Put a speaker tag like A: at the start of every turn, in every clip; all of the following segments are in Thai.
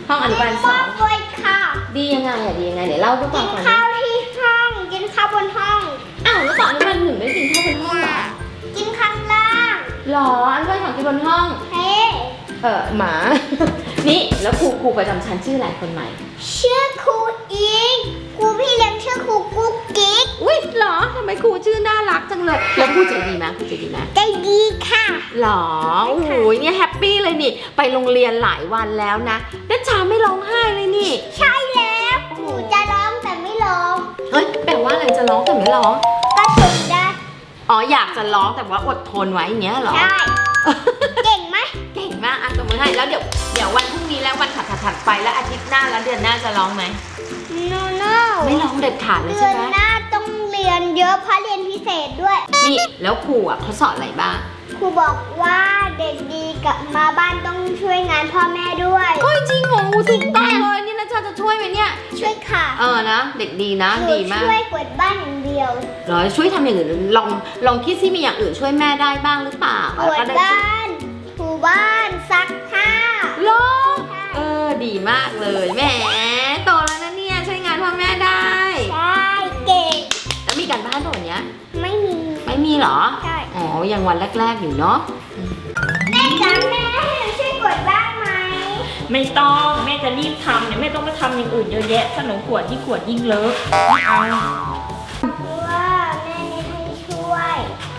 A: ห้องอนุบาล2
B: ด้วยค่ะ
A: ดียังไงอะดียังไงเดี๋ยวเล่าด้วยก่อน
B: กินข้าวที่ห้องกินข้าวบนห้อง
A: อ้าวแล้วตอนอนุบาล1ไม่ได้กินข้าวบนห้องเหรอ
B: กินข้างล่าง
A: หรออนุบาล2กินบนห้อง
B: เฮ้
A: หมา นี่แล้วครูประจำชั้นชื่ออะไรคนใหม่
B: ชื่อครูอิงครูพี่เลี้ยงชื่อครูกุ๊กกิ๊ก
A: อุ้ยเหรอทำไมครูชื่อน่ารักจังเลยแล้วครูใจดีไหมครูใจดีไหม
B: ใจดีค่ะ
A: หรอโอ้โหเนี่ยแฮปปี้เลยนี่ไปโรงเรียนหลายวันแล้วนะนัชชาไม่ร้องไห้เลยนี่
B: ใช่แล้วหนูจะร้องแต่ไม่ร้อง
A: เฮ้ยแปลว่าอะไรจะร้องแต่ไม่ร้อง
B: ก็ทนได้
A: อ๋ออยากจะร้องแต่ว่าอดทนไว้อย่างเงี้ยเหรอ
B: ใช่เก่งไหม
A: เก่งมากอ่ะตบมือให้แล้วเดี๋ยววันพรุ่งนี้แล้ววันถัดไปแล้วอาทิตย์หน้าแล้วเดือนหน้าจะร้องไหม
B: no
A: ไม่ร้องเด็ดขาดเลย
B: เดื
A: ใช่
B: อน
A: ไหม
B: หน้าต้องเรียนเยอะเพราะเรียนพิเศษด้วย
A: นี่แล้วครูอ่ะเขาสอนอะไรบ้าง
B: ครูบอกว่าเด็กดีกลับมาบ้านต้องช่วยงานพ่อแม่ด้วย
A: โอ้ยจริงเหรอถูกต้องเลยนี่นะชาจะช่วยไหมเนี่ย
B: ช่วยค่ะ
A: นะเด็กดีนะ
B: หนู
A: ดีมาก
B: ช่วยกวาดบ้านอย่างเดียว
A: เหรอช่วยทำอย่างอื่นลองคิดซิมีอย่างอื่นช่วยแม่ได้บ้างหรือเปล่าก
B: วาดบ้านถูบ้านซักผ้า
A: เหรอดีมากเลยแหมโตแล้วนะเนี่ยช่วยงานพ่อแม่ได้
B: ใช่เก่ง
A: แล้วมีการบ้านตัวเนี้ย
B: ไม่มี
A: ไม่มีเหรอ
B: ใช่
A: อ๋อยังวันแรกๆอยู่เนาะ
B: แม่จ๋าแม่ให้หนูช่วยกวาดบ้านไหม
C: ไม่ต้องแม่จะรีบทำเนี่ยแม่ต้องมาทำอย่างอื่นเยอะแยะถ้าหนูขวดยิ่งเลอะไม่เอา
B: เพราะว่าแม่ไม่ให้ช่วย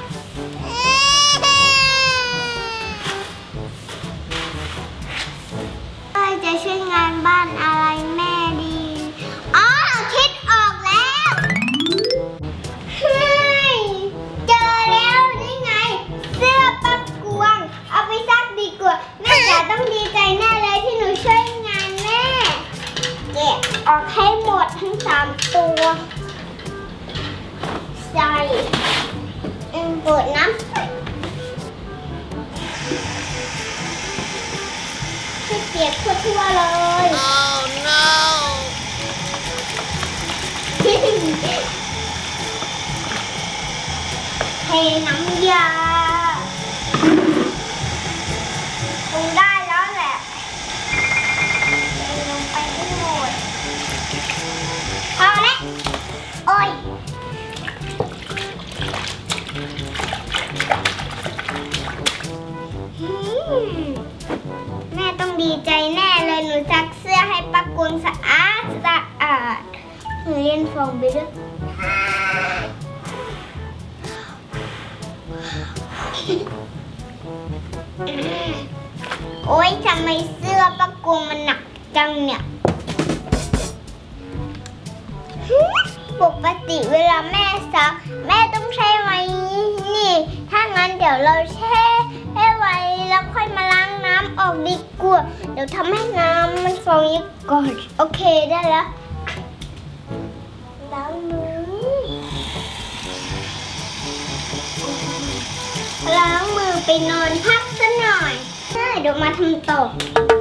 B: จะช่วยงานบ้านอะไรแม่ดีอ๋อคิดออกแล้วเฮ้ยเจอแล้วนี่ไง เสื้อปักกวงเอาไปซักดีกว่าแม่จ๋าต้องดีใจแน่เลยที่หนูช่วยงานแม่เก็บออกให้หมดทั้ง3ตัวใส่เปิดน้ำให้เปียกทั่วๆเลย oh no เทน้ำยาคงได้แล้วแหละเทลงไปให้หมดพอแล้วโอ้ยแม่ต้องดีใจแน่เลยหนูซักเสื้อให้ปักกุลสะอาดหนูเรียนฟองไปด้วยโอ๊ยทำไมเสื้อปักกุลมันหนักจังเนี่ยปกติเวลาแม่ซักแม่ต้องใช้ไว้นี่ถ้างั้นเดี๋ยวเราแช่ให้ไว้แล้วค่อยมาล้างน้ำออกดีกว่าเดี๋ยวทำให้น้ำมันฟองเยอะก่อนโอเคได้แล้วล้างมือล้างมือไปนอนพักสักหน่อยใช่เดี๋ยวมาทำต่อ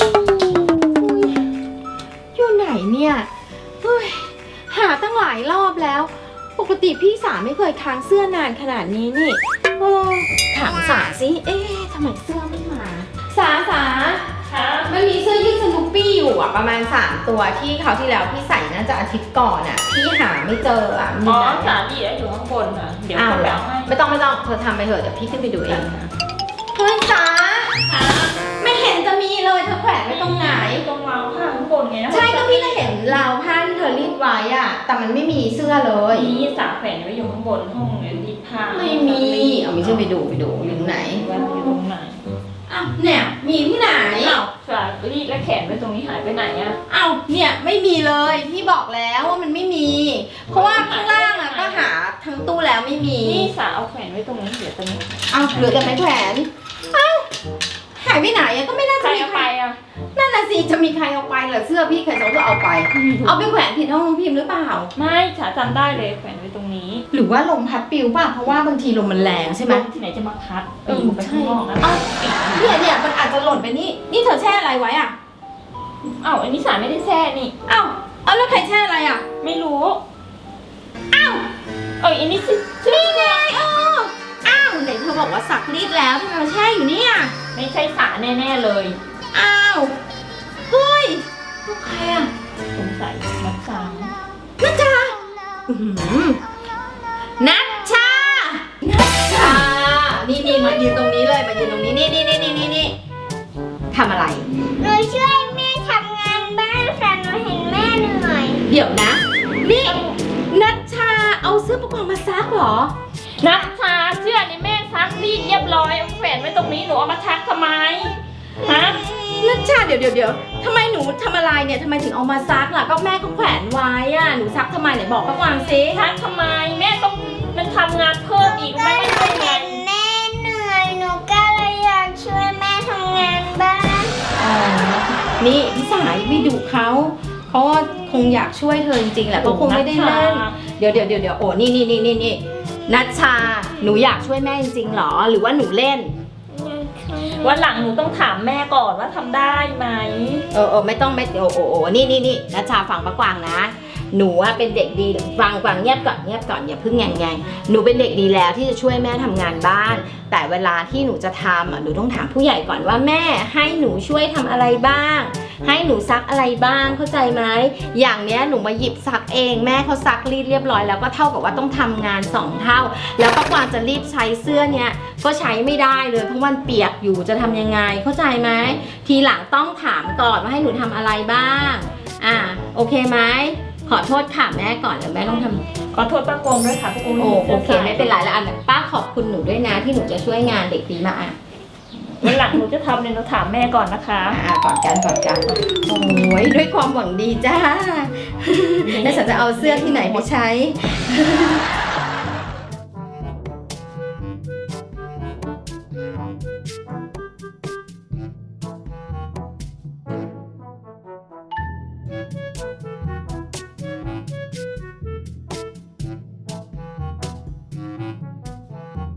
A: อยู่ไหนเนี่ยเฮ้ยหาตั้งหลายรอบแล้ว ปกติพี่สาไม่เคยค้างเสื้อนานขนาดนี้นี่ถามสาสิทำไมเสื้อไม่มาสามันมีเสื้อยืดสนุปปี้อยู่อ่ะประมาณ3ตัวที่เขาวที่แล้วพี่ใส่น่าจะอาทิตย์ก่อนอ่ะพี่หาไม่เจออ่ะ
C: อ๋อสาดีอยู่ข้างบนค่ะเดี๋ยว
A: อ้าว
C: เขา
A: เห
C: ไป
A: รอ
C: เอาให้
A: ไม่ต้องเธอทำไปเถอะเดี๋ยวพี่ขึ้นไปดูเองเฮ้ยสาไม่เห็นจะมีเลยเธอแขวนไว้ตรงไหน
C: ตรงราวผ้าข้างบนไงนะ
A: ใช่ก็พี่ก็เห็นราวผ้าที่เธอรีดไว้อ่ะแต่มันไม่มีเสื้อเลย
C: นี่สาแขวนไว้อยู่ข้างบนห้องรีดผ้า
A: ไม่มีเอาไม่ใช่ไปดูอยู่ตรงไหน
C: วันอยู่ตรงไหน
A: อ้าวเนี่ยมีที่ไหน
C: อ้าวสารีดและแขนไว้ตรงนี้หายไปไหนอะ
A: อ้าวเนี่ยไม่มีเลยพี่บอกแล้วว่ามันไม่มี เพราะว่าข้างล่างอ่ะก็หาทั้งตู้แล้วไม่มี
C: นี่สาเอาแขวนไว้ตรงนี้เดี๋ยวตรงนี้
A: อ้าวเหลือแต่ไม้แขวนอ้าวหายไปไหนอ่ะก็ไม่น่า
C: ใคร
A: จะมี
C: เอา
A: ใค
C: ไป
A: ร
C: อะ
A: นั่นน่ะสิจะมีใครเอาไปเหรอเสื้อพี่ใครจะเอาไป เอาไปแขวนผิดห้องน้องพิมพ์หรือเปล่า
C: ไม่สาจำได้เลยแขวนไว้ตรงนี้
A: หรือว่าลมพัดปิวป่ะเพราะว่าบางทีลมมันแรงใช่ไหม
C: ลมที่ไหนจะมาพัดปีกไปข้างนอกนะ
A: เอ้าเนี่ยมันอาจจะหล่นไปนี่เธอแช่อะไรไว้อ่ะ
C: อ้าวอันนี้สาไม่ได้แช่นี่
A: เอ้าเอาแล้วใครแช่อะไรอ่ะ
C: ไม่รู้
A: อ้าว
C: อันนี้ชื่อ
A: นี่ไงอ้าวไหนเธอบอกว่าซักรีดแล้วทำไมมาแช่อยู่เนี่ย
C: ไม่ใช่สาแน่ๆเลย
A: อ้าวเฮ้ยใครอ่ะ
C: สงสัยนักสาว
A: นัชชาอื้อหือนัชชา นัชชา นี่มายืนตรงนี้เลยมายืนตรงนี้นี่ทำอะไร
B: หนูช่วยแม่ทำงานบ้านค่ะหนูเห็นแม่เหนื่อย
A: เดี๋ยวนะ นี่นัชชาเอาเสื้อประกอบมาซักเหรอ
C: นักชาเสื้อนี่แม่ซักรีดเรียบร้อยเอาแขวนไว้ตรงนี้หนูเอามาซักทำไมฮะ
A: นัชชาเดี๋ยวทำไมหนูทำอะไรเนี่ยทำไมถึงเอามาซักล่ะก็แม่ก็แขวนไว้อ่ะหนูซักทำไมไหนบอกป้ากวางซิ
C: ซักทำไมแม่ต้องมันทำงานเพิ่มอีก
B: ก็
C: แม่
B: ห
C: ไม่
B: นู
C: ช่วย
B: เห็
C: งาน
B: นแม่เหนื่อยหนูก็เลยอยากช่วยแม่ทำงานบ้าน
A: อ๋อนี่พี่สายไม่ดุเขาก็คงอยากช่วยเธอจริงๆแหละเขาคงไม่ได้เล่นเดี๋ยวโอ้นี่นัชชาหนูอยากช่วยแม่จริงๆหรอหรือว่าหนูเล่น
C: วันหลังหนูต้องถามแม่ก่อนว่าทำได้ไหม
A: ไม่ต้องนี่นัชชาฟังป้ากวางนะหนูอะเป็นเด็กดีฟังเงียบก่อนอย่าเพิ่งแงหนูเป็นเด็กดีแล้วที่จะช่วยแม่ทำงานบ้านแต่เวลาที่หนูจะทำอะหนูต้องถามผู้ใหญ่ก่อนว่าแม่ให้หนูช่วยทำอะไรบ้างให้หนูซักอะไรบ้างเข้าใจไหมอย่างเนี้ยหนูมาหยิบซักเองแม่เขาซักรีดเรียบร้อยแล้วก็เท่ากับว่าต้องทำงาน2 เท่าแล้วป้ากวางจะรีบใช้เสื้อเนี้ยก็ใช้ไม่ได้เลยเพราะมันเปียกอยู่จะทำยังไงเข้าใจไหมทีหลังต้องถามก่อนว่าให้หนูทำอะไรบ้างโอเคไหมขอโทษค่ะแม่ก่อนเดี๋ยวแม่ต้องทำ
C: ขอโทษป้ากงด้วยค่ะป้ากง
A: โอเคไม่เป็นไรแล้วอันป้าขอบคุณหนูด้วยนะที่หนูจะช่วยงานเด็กดีมาก
C: วันหลังหนูจะทำเนี่ยหนูถามแม่ก่อนนะคะ
A: ก่อนกันโอ้ยด้วยความหวังดีจ้าแล้วฉันจะเอาเสื้อที่ไหนไปใช้